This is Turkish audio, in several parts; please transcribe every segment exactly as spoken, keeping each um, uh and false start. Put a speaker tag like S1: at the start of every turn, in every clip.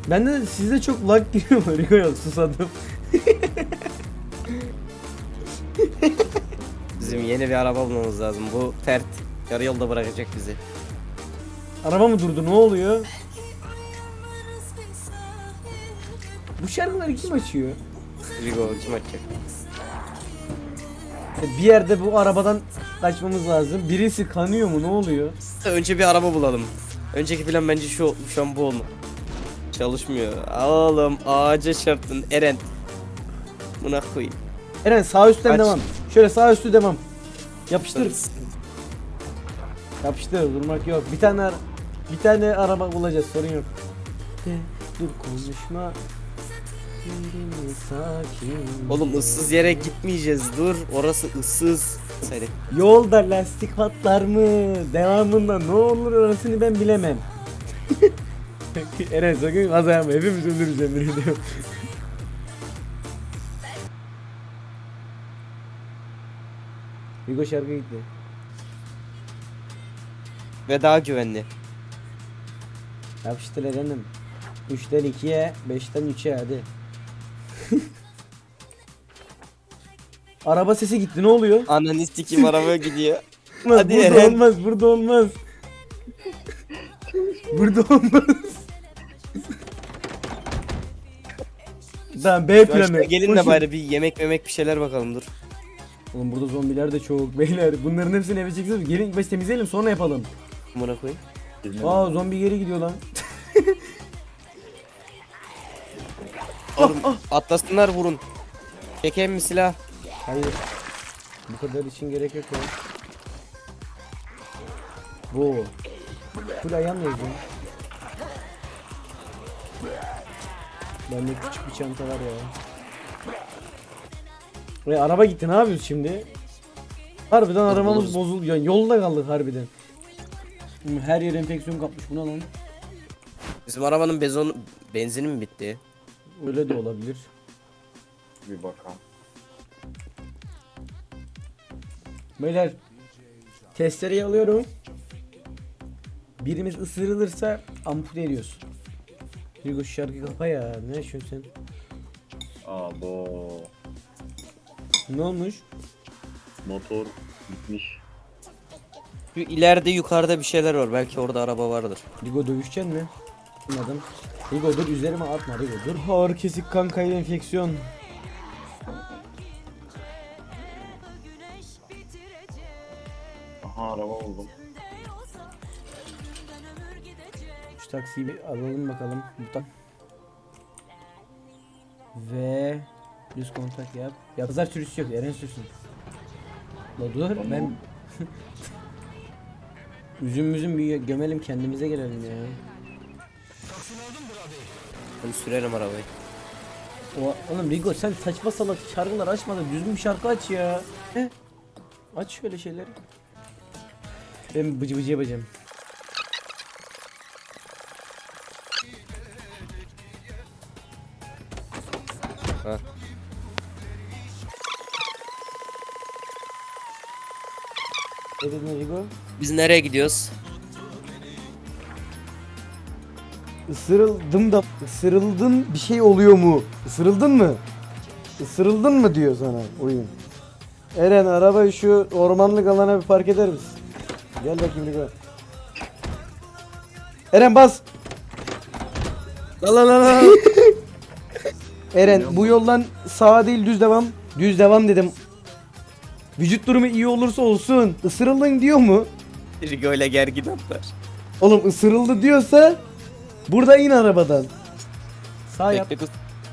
S1: Ben de sizde çok lag giriyor mu? Rico yok, susadım.
S2: Bizim yeni bir araba bulmamız lazım. Bu Fert yarı yolda bırakacak bizi.
S1: Araba mı durdu? Ne oluyor? Bu şarkıları kim açıyor?
S2: Rigo kim açacak?
S1: Bir yerde bu arabadan kaçmamız lazım. Birisi kanıyor mu? Ne oluyor?
S2: Önce bir araba bulalım. Önceki plan bence şu şu an bu olma. Çalışmıyor. Oğlum ağaca çarptın Eren. Buna koyayım.
S1: Eren sağ üstten
S2: Kaç.
S1: devam. Şöyle sağ üstü devam. Yapıştır. Yapıştır, durmak yok. Bir tane ara- bir tane araba bulacağız, sorun yok. De, dur konuşma. Yerine sakin.
S2: Oğlum ıssız yere gitmeyeceğiz. Dur orası ıssız. Söyle.
S1: Yolda lastik patlar mı? Devamında ne olur orasını ben bilemem. Eren sakın kaza yapma, hepimiz ölürüz emin ediyorum. Hugo şarkı gitti.
S2: Ve daha güvenli.
S1: Yapıştır Eren'im. üçten ikiye, beşten üçe hadi. Araba sesi gitti, ne oluyor?
S2: Ananı sikim araba gidiyor.
S1: Olmaz,
S2: Hadi
S1: burada
S2: Eren.
S1: olmaz, burada olmaz. Burada olmaz. Tamam, B planı.
S2: Başta gelin de
S1: Koşun.
S2: bari bir yemek memek bir şeyler bakalım dur.
S1: Oğlum burada zombiler de çok beyler. Bunların hepsini eve çekeceğiz. Gelin ilk başta temizleyelim, sonra yapalım.
S2: Buna koyayım.
S1: Aa, zombi geri gidiyor lan.
S2: Oğlum atlasınlar vurun. Çekeyim mi silah?
S1: Hayır. Bu kadar için gerek yok ya. Bu. Full ayağım yazıyor. Bende küçük bir çanta var ya. Ve araba gitti, ne yapıyoruz şimdi? Harbiden arabamız
S2: buluruz.
S1: bozuldu. Yani yolda kaldık harbiden. Her yer enfeksiyon kapmış, buna lan.
S2: Bizim arabanın bezon benzini mi bitti?
S1: Öyle de olabilir.
S3: Bir bakalım.
S1: Beyler, testereyi alıyorum. Birimiz ısırılırsa ampute ediyoruz. Hugo şu şarkıyı kapa ya. Ne yaşıyorsun sen?
S3: Abo.
S1: Ne olmuş?
S3: Motor bitmiş.
S2: Şu ileride yukarıda bir şeyler var. Belki orada araba vardır.
S1: Hugo dövüşecek mi? Anladım. Hugo dur, üzerime atma Hugo dur. Ağır kesik kan kaybı enfeksiyon.
S3: Aha araba buldum.
S1: Şu taksiyi bir alalım bakalım. Bu tak. Ve düz kontak yap. Ya pazar sürüsü yok, Eren sürsün. La dur ben üzüm müzüm bir gömelim, kendimize gelelim ya.
S2: Hadi sürelim arabayı.
S1: O, oğlum Rigo sen saçma salak şarkılar açma da düzgün bir şarkı aç ya. He? Aç şöyle şeyleri. Ben bıcı bıcı yapacağım.
S2: Ha.
S1: Ne dedin Rigo?
S2: Biz nereye gidiyoruz?
S1: Isırıldım da ısırıldın, bir şey oluyor mu? Isırıldın mı? Isırıldın mı diyor sana oyun. Eren arabayı şu ormanlık alana bir park eder misin? Gel bakayım Rigo. Eren bas.
S2: La la la la.
S1: Eren bu yoldan sağa değil düz devam. Düz devam dedim. Vücut durumu iyi olursa olsun. Isırıldın diyor mu?
S2: Rigo ile gergin atlar.
S1: Oğlum ısırıldı diyorsa burada in arabadan. Sağ yap.
S2: Bekle kız.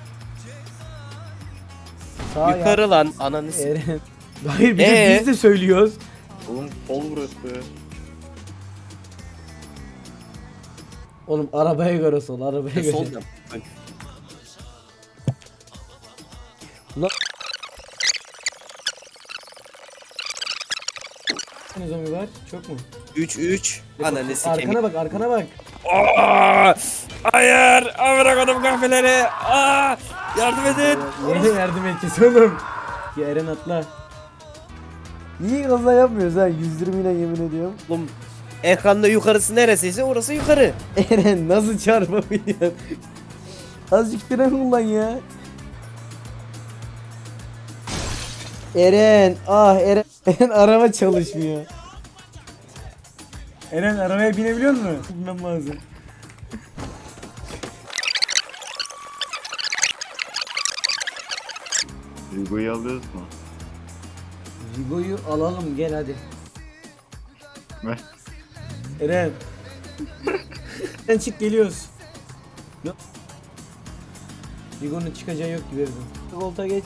S1: Sağ yap.
S2: Yukarı lan ananı s-
S1: Eren. Hayır bir de
S2: Ee?
S1: biz de söylüyoruz.
S3: Oğlum sol burası.
S1: Oğlum arabaya göre sol, arabaya göre.
S2: Sol yap. Bak.
S1: Ne zombi var? Çok mu?
S2: üç üç. Ananı sikeyim.
S1: Arkana bak, arkana bak.
S2: Aa! Hayır! Amına koydum kahveleri. Aa! Yardım edin.
S1: Yine yardım edeceğiz oğlum. Ya Eren atla. Niye kaza yapmıyoruz ha? yüz yirmi ile yemin ediyorum.
S2: Oğlum ekranda yukarısı neresiyse orası yukarı.
S1: Eren nasıl çarpabiliyor? Azıcık fren kullan ya. Eren, ah Eren, Eren araba çalışmıyor. Eren arabaya binebiliyor musun? Bilmem lazım.
S3: Rigo'yu alıyoruz mu?
S1: Rigo'yu alalım gel hadi.
S3: Ver.
S1: Eren. Eren çık geliyoruz. Yok. Rigo'nun çıkacağı yok gibi Eren. Volta geç.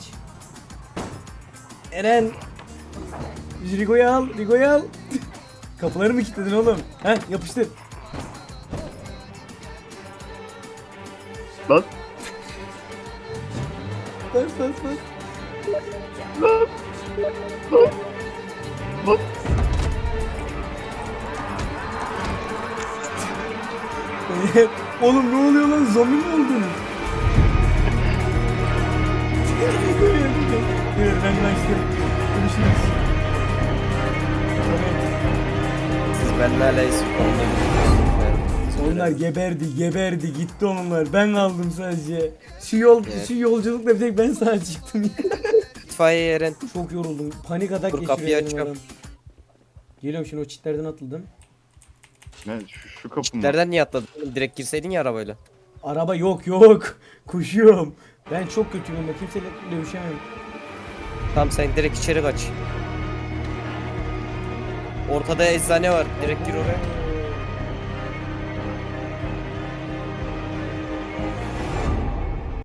S1: Eren. Biz Rigo'yu al, Rigo'yu al. Kapıları mı kilitledin oğlum? Heh yapıştır.
S3: Lan.
S1: Bas bas bas.
S3: Lan. Lan. Lan.
S1: Oğlum ne oluyor lan? Zombi mi oldun? Evet ben kaçtım. Görüşürüz.
S2: Siz benimle hala
S1: Onlar geberdi, geberdi, gitti onlar. Ben kaldım sadece. Şu yol,
S2: Evet.
S1: şu yolculukla bir tek ben sağ çıktım.
S2: İtfaiye Eren.
S1: Çok yoruldum. Panik atak
S2: Dur, kapıyı
S1: geçiriyor benim
S2: açıyorum.
S1: adam. Geliyorum şimdi o çitlerden atıldım.
S3: Ne şu, şu kapı mı?
S2: Nereden niye atladın? Oğlum, direkt girseydin ya arabayla.
S1: Araba yok yok. Koşuyorum. Ben çok kötüyüm ben kimseyle dövüşemem.
S2: Tamam sen direkt içeri kaç. Ortada eczane var. Direkt gir oraya.